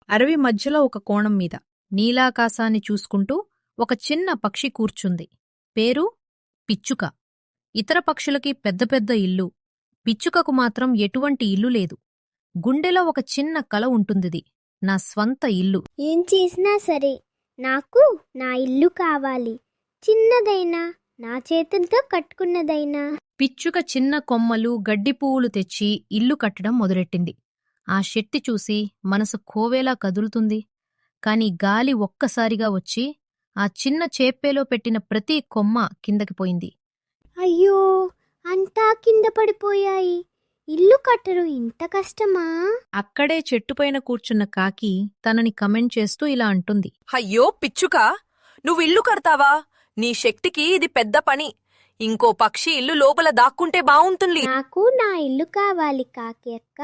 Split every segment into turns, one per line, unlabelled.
అడవి మధ్యలో ఒక కోణం మీద నీలాకాశాన్ని చూసుకుంటూ ఒక చిన్న పక్షి కూర్చుంది. పేరు పిచ్చుక. ఇతర పక్షులకి పెద్ద పెద్ద ఇల్లు, పిచ్చుకకు మాత్రం ఎటువంటి ఇల్లు లేదు. గుండెలో ఒక చిన్న కల ఉంటుందిది, నా స్వంత ఇల్లు.
ఏం చేసినా సరే నాకు నా ఇల్లు కావాలి. చిన్నదైనా, నా చేతులతో కట్టుకున్నదైనా.
పిచ్చుక చిన్న కొమ్మలు, గడ్డి పువ్వులు తెచ్చి ఇల్లు కట్టడం మొదలెట్టింది. ఆ శక్తి చూసి మనసు కోవేలా కదులుతుంది. కాని గాలి ఒక్కసారిగా వచ్చి ఆ చిన్న చేప్పేలో పెట్టిన ప్రతి కొమ్మ కిందకి పోయింది.
అయ్యో, అంతా కింద పడిపోయాయి. ఇల్లు కట్టరు ఇంత కష్టమా?
అక్కడే చెట్టుపైన కూర్చున్న కాకి తనని కమెంట్ చేస్తూ ఇలా అంటుంది.
అయ్యో పిచ్చుక, నువ్వు ఇల్లు కడతావా? నీ శక్తికి ఇది పెద్ద పని. ఇంకో పక్షి ఇల్లు లోపల దాక్కుంటే బావుంటుంది.
నాకు నా ఇల్లు కావాలి కాకి అక్క.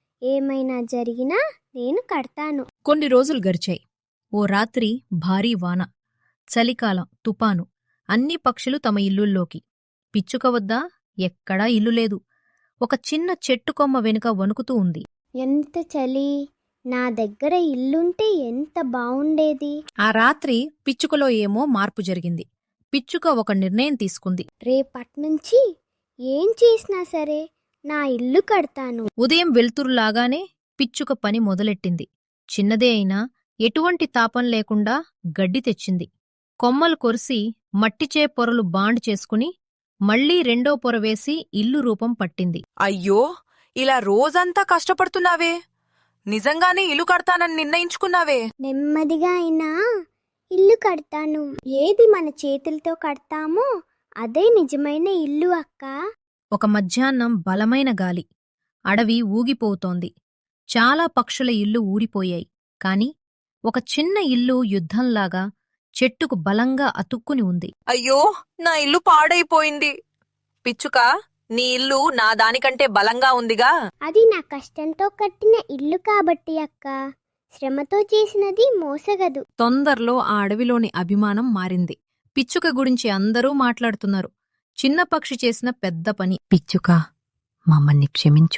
ఏమైనా జరిగినా నేను కడతాను.
కొన్ని రోజులు గడిచాయి. ఓ రాత్రి భారీ వాన, చలికాలం, తుపాను. అన్ని పక్షులు తమ ఇల్లుల్లోకి. పిచ్చుక వద్ద ఎక్కడా ఇల్లు లేదు. ఒక చిన్న చెట్టు కొమ్మ వెనుక వణుకుతూ ఉంది.
ఎంత చలి! నా దగ్గర ఇల్లుంటే ఎంత బావుండేది.
ఆ రాత్రి పిచ్చుకలో ఏమో మార్పు జరిగింది. పిచ్చుక ఒక నిర్ణయం తీసుకుంది.
రేపట్నుంచి ఏం చేసినా సరే నా ఇల్లు కడతాను.
ఉదయం వెళ్తురులాగానే పిచ్చుక పని మొదలెట్టింది. చిన్నదే అయినా ఎటువంటి తాపం లేకుండా గడ్డి తెచ్చింది. కొమ్మలు కొరిసి మట్టిచే పొరలు బాండ్ చేసుకుని మళ్లీ రెండో పొర వేసి ఇల్లు రూపం పట్టింది.
అయ్యో, ఇలా రోజంతా కష్టపడుతున్నావే. నిజంగానే ఇల్లు కడతానని నిర్ణయించుకున్నావే.
నెమ్మదిగా అయినా ఇల్లు కడతాను. ఏది మన చేతులతో కడతామో అదే నిజమైన ఇల్లు అక్క.
ఒక మధ్యాహ్నం బలమైన గాలి. అడవి ఊగిపోతోంది. చాలా పక్షుల ఇల్లు ఊరిపోయాయి. కాని ఒక చిన్న ఇల్లు యుద్ధంలాగా చెట్టుకు బలంగా అతుక్కుని ఉంది.
అయ్యో, నా ఇల్లు పాడైపోయింది. పిచ్చుక, నీ ఇల్లు నా దానికంటే బలంగా ఉందిగా.
అది నా కష్టంతో కట్టిన ఇల్లు కాబట్టి అక్క. శ్రమతో చేసినది మోసగదు.
తొందరలో ఆ అడవిలోని అభిమానం మారింది. పిచ్చుక గురించి అందరూ మాట్లాడుతున్నారు. చిన్న పక్షి చేసిన పెద్ద పని. పిచ్చుక, మమ్మల్ని క్షమించు.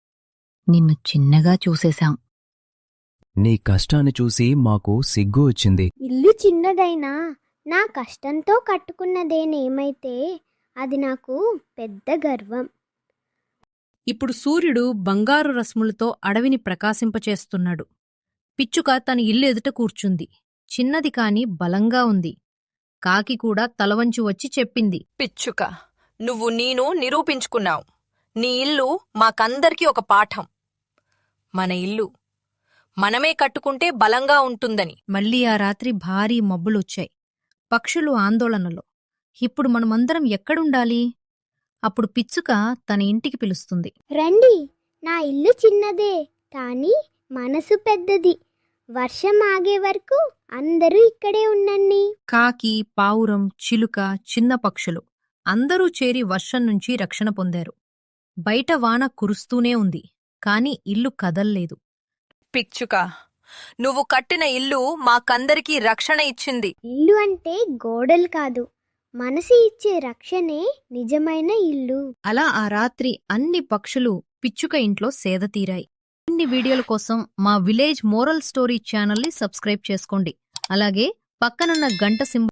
నిన్ను చిన్నగా చూసేశాం.
నీ కష్టాన్ని చూసి మాకు సిగ్గు వచ్చింది.
ఇల్లు చిన్నదైనా నా కష్టంతో కట్టుకున్నదేనేమైతే అది నాకు పెద్ద గర్వం.
ఇప్పుడు సూర్యుడు బంగారు రశ్ములతో అడవిని ప్రకాశింపచేస్తున్నాడు. పిచ్చుక తన ఇల్లు ఎదుట కూర్చుంది. చిన్నది కాని బలంగా ఉంది. కాకి కూడా తలవంచి వచ్చి చెప్పింది.
పిచ్చుక, నువ్వు నేను నిరూపించుకున్నావు. నీ ఇల్లు మాకందరికీ ఒక పాఠం. మన ఇల్లు మనమే కట్టుకుంటే బలంగా ఉంటుందని.
మళ్ళీ ఆ రాత్రి భారీ మబ్బులొచ్చాయి. పక్షులు ఆందోళనలో. ఇప్పుడు మనమందరం ఎక్కడుండాలి? అప్పుడు పిచ్చుక తన ఇంటికి పిలుస్తుంది.
రండి, నా ఇల్లు చిన్నదే కానీ మనసు పెద్దది. వర్షం ఆగే వరకు అందరూ ఇక్కడే ఉండండి.
కాకి, పావురం, చిలుక, చిన్న పక్షులు అందరూ చేరి వర్షం నుంచి రక్షణ పొందారు. బయట వాన కురుస్తూనే ఉంది. కాని ఇల్లు కదల్లేదు.
పిచ్చుక, నువ్వు కట్టిన ఇల్లు మాకందరికీ రక్షణ ఇచ్చింది.
ఇల్లు అంటే గోడలు కాదు, మనసు ఇచ్చే రక్షణే నిజమైన ఇల్లు.
అలా ఆ రాత్రి అన్ని పక్షులు పిచ్చుక ఇంట్లో సేదతీరాయి. ఇన్ని వీడియోల కోసం మా విలేజ్ మోరల్ స్టోరీ ఛానల్ని సబ్స్క్రైబ్ చేసుకోండి. అలాగే పక్కనున్న గంట సింబల్